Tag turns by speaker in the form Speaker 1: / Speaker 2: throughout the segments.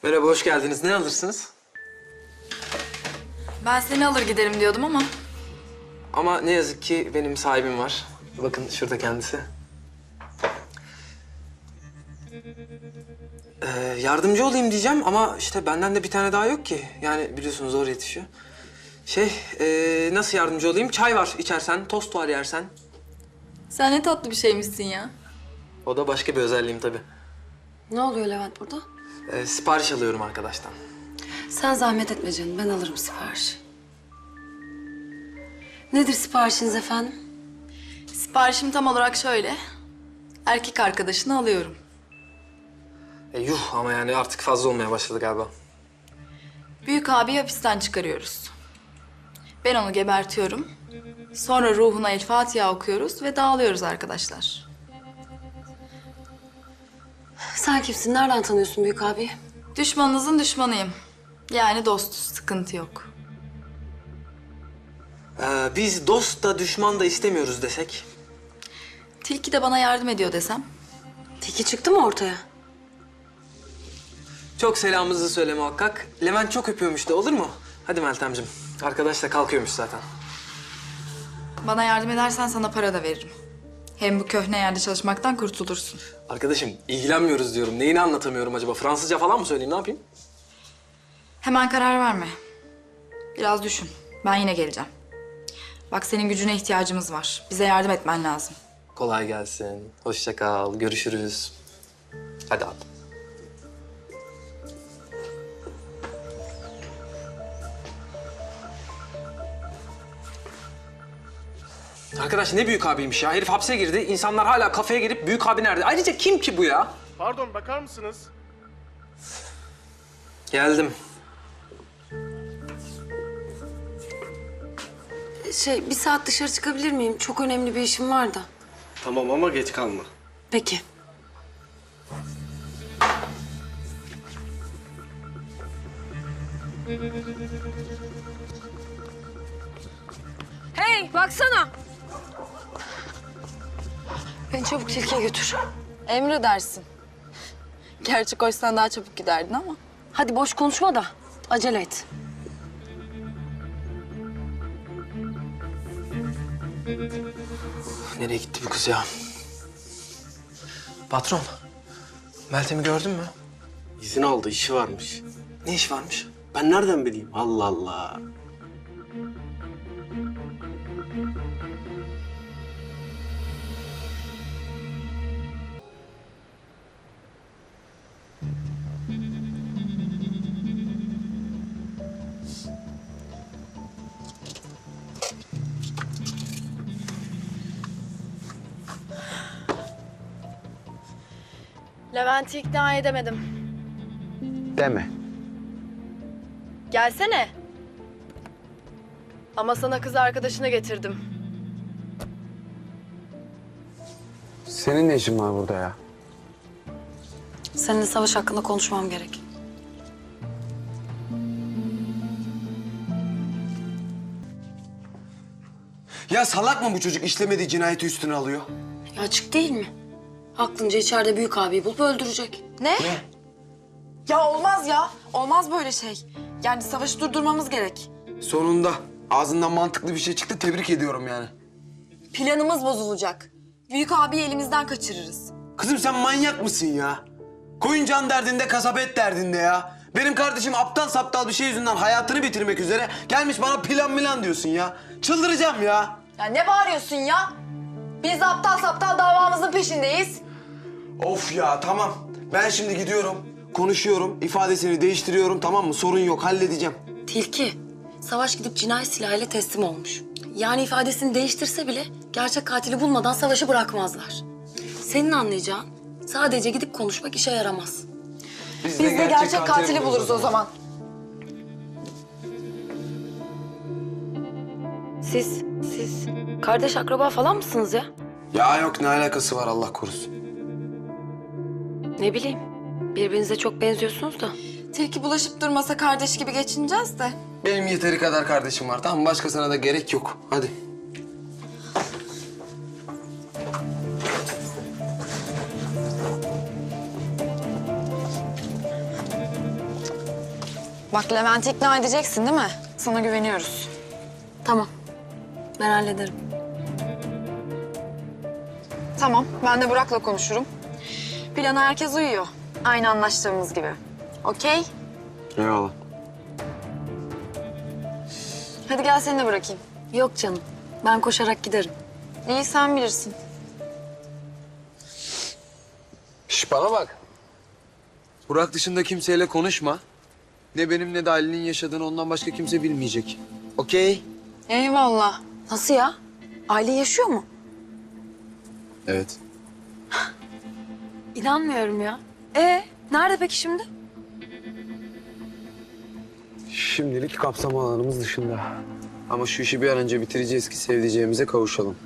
Speaker 1: Merhaba, hoş geldiniz. Ne alırsınız?
Speaker 2: Ben seni alır giderim diyordum ama.
Speaker 1: Ama ne yazık ki benim sahibim var. Bakın şurada kendisi. Yardımcı olayım diyeceğim ama işte benden de bir tane daha yok ki. Yani biliyorsunuz zor yetişiyor. Nasıl yardımcı olayım? Çay var içersen, tost var yersen.
Speaker 2: Sen ne tatlı bir şeymişsin ya.
Speaker 1: O da başka bir özelliğim tabii.
Speaker 3: Ne oluyor Levent burada?
Speaker 1: Sipariş alıyorum arkadaştan.
Speaker 3: Sen zahmet etme canım, ben alırım siparişi. Nedir siparişiniz efendim?
Speaker 2: Siparişim tam olarak şöyle. Erkek arkadaşını alıyorum.
Speaker 1: Yuh ama yani artık fazla olmaya başladı galiba.
Speaker 2: Büyük abi hapisten çıkarıyoruz. Ben onu gebertiyorum. Sonra ruhuna El Fatiha okuyoruz ve dağılıyoruz arkadaşlar.
Speaker 3: Sen kimsin? Nereden tanıyorsun büyük abi?
Speaker 2: Düşmanınızın düşmanıyım. Yani dostuz, sıkıntı yok.
Speaker 1: Biz dost da düşman da istemiyoruz desek.
Speaker 2: Tilki de bana yardım ediyor desem.
Speaker 3: Tiki çıktı mı ortaya?
Speaker 1: Çok selamınızı söyle muhakkak. Levent çok öpüyormuş da olur mu? Hadi Meltemciğim. Arkadaş da kalkıyormuş zaten.
Speaker 2: Bana yardım edersen sana para da veririm. Hem bu köhne yerde çalışmaktan kurtulursun.
Speaker 1: Arkadaşım ilgilenmiyoruz diyorum. Neyini anlatamıyorum acaba? Fransızca falan mı söyleyeyim? Ne yapayım?
Speaker 2: Hemen karar verme. Biraz düşün. Ben yine geleceğim. Bak senin gücüne ihtiyacımız var. Bize yardım etmen lazım.
Speaker 1: Kolay gelsin. Hoşça kal. Görüşürüz. Hadi abi. Arkadaş ne büyük abiymiş ya. Herif hapse girdi. İnsanlar hala kafeye girip büyük abi nerede? Ayrıca kim ki bu ya?
Speaker 4: Pardon, bakar mısınız?
Speaker 1: Geldim.
Speaker 3: Bir saat dışarı çıkabilir miyim? Çok önemli bir işim var da.
Speaker 4: Tamam ama geç kalma.
Speaker 3: Peki. Hey, baksana. Beni çabuk Tilki'ye götür.
Speaker 2: Emredersin. Gerçi koşsan daha çabuk giderdin ama.
Speaker 3: Hadi boş konuşma da acele et.
Speaker 1: Nereye gitti bu kız ya? Patron, Meltem'i gördün mü?
Speaker 4: İzin aldı, işi varmış.
Speaker 1: Ne iş varmış?
Speaker 4: Ben nereden bileyim? Allah Allah.
Speaker 2: Levent'i ikna edemedim.
Speaker 5: Deme.
Speaker 2: Gelsene. Ama sana kız arkadaşını getirdim.
Speaker 5: Senin ne işin var burada ya?
Speaker 3: Seninle savaş hakkında konuşmam gerek.
Speaker 6: Ya salak mı bu çocuk işlemediği cinayeti üstüne alıyor?
Speaker 3: Ya açık değil mi? Aklınca içeride büyük abiyi bulup öldürecek.
Speaker 2: Ne? Ya olmaz ya. Olmaz böyle şey. Yani savaşı durdurmamız gerek.
Speaker 6: Sonunda ağzından mantıklı bir şey çıktı, tebrik ediyorum yani.
Speaker 2: Planımız bozulacak. Büyük abiyi elimizden kaçırırız.
Speaker 6: Kızım sen manyak mısın ya? Koyun can derdinde, kasap et derdinde ya. Benim kardeşim aptal saptal bir şey yüzünden hayatını bitirmek üzere gelmiş bana plan diyorsun ya. Çıldıracağım ya.
Speaker 2: Ya ne bağırıyorsun ya? Biz aptal saptal davamızın peşindeyiz.
Speaker 6: Of ya tamam. Ben şimdi gidiyorum, konuşuyorum, ifadesini değiştiriyorum, tamam mı? Sorun yok, halledeceğim.
Speaker 3: Tilki, Savaş gidip cinayet silahıyla teslim olmuş. Yani ifadesini değiştirse bile gerçek katili bulmadan Savaş'ı bırakmazlar. Senin anlayacağın sadece gidip konuşmak işe yaramaz.
Speaker 6: Biz de gerçek katili buluruz o zaman.
Speaker 3: Siz kardeş akraba falan mısınız ya?
Speaker 6: Ya yok, ne alakası var Allah korusun.
Speaker 3: Ne bileyim, birbirinize çok benziyorsunuz da.
Speaker 2: Tilki bulaşıp durmasa kardeş gibi geçineceğiz de.
Speaker 6: Benim yeteri kadar kardeşim var, tamam mı? Başkasına da gerek yok. Hadi.
Speaker 7: Bak Levent'i ikna edeceksin değil mi? Sana güveniyoruz.
Speaker 3: Tamam. Ben hallederim.
Speaker 7: Tamam, ben de Burak'la konuşurum. Plana herkes uyuyor. Aynı anlaştığımız gibi. Okey?
Speaker 5: Eyvallah.
Speaker 7: Hadi gel seni de bırakayım.
Speaker 3: Yok canım. Ben koşarak giderim.
Speaker 7: İyi sen bilirsin.
Speaker 5: Şş bana bak. Burak dışında kimseyle konuşma. Ne benim ne de Ali'nin yaşadığını ondan başka kimse bilmeyecek. Okey?
Speaker 7: Eyvallah.
Speaker 3: Nasıl ya? Aile yaşıyor mu?
Speaker 5: Evet.
Speaker 3: İnanmıyorum ya. Nerede peki şimdi?
Speaker 5: Şimdilik kapsam alanımız dışında. Ama şu işi bir an önce bitireceğiz ki sevdiceğimize kavuşalım.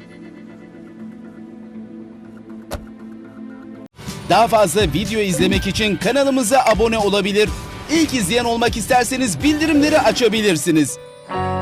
Speaker 8: Daha fazla video izlemek için kanalımıza abone olabilir. İlk izleyen olmak isterseniz bildirimleri açabilirsiniz.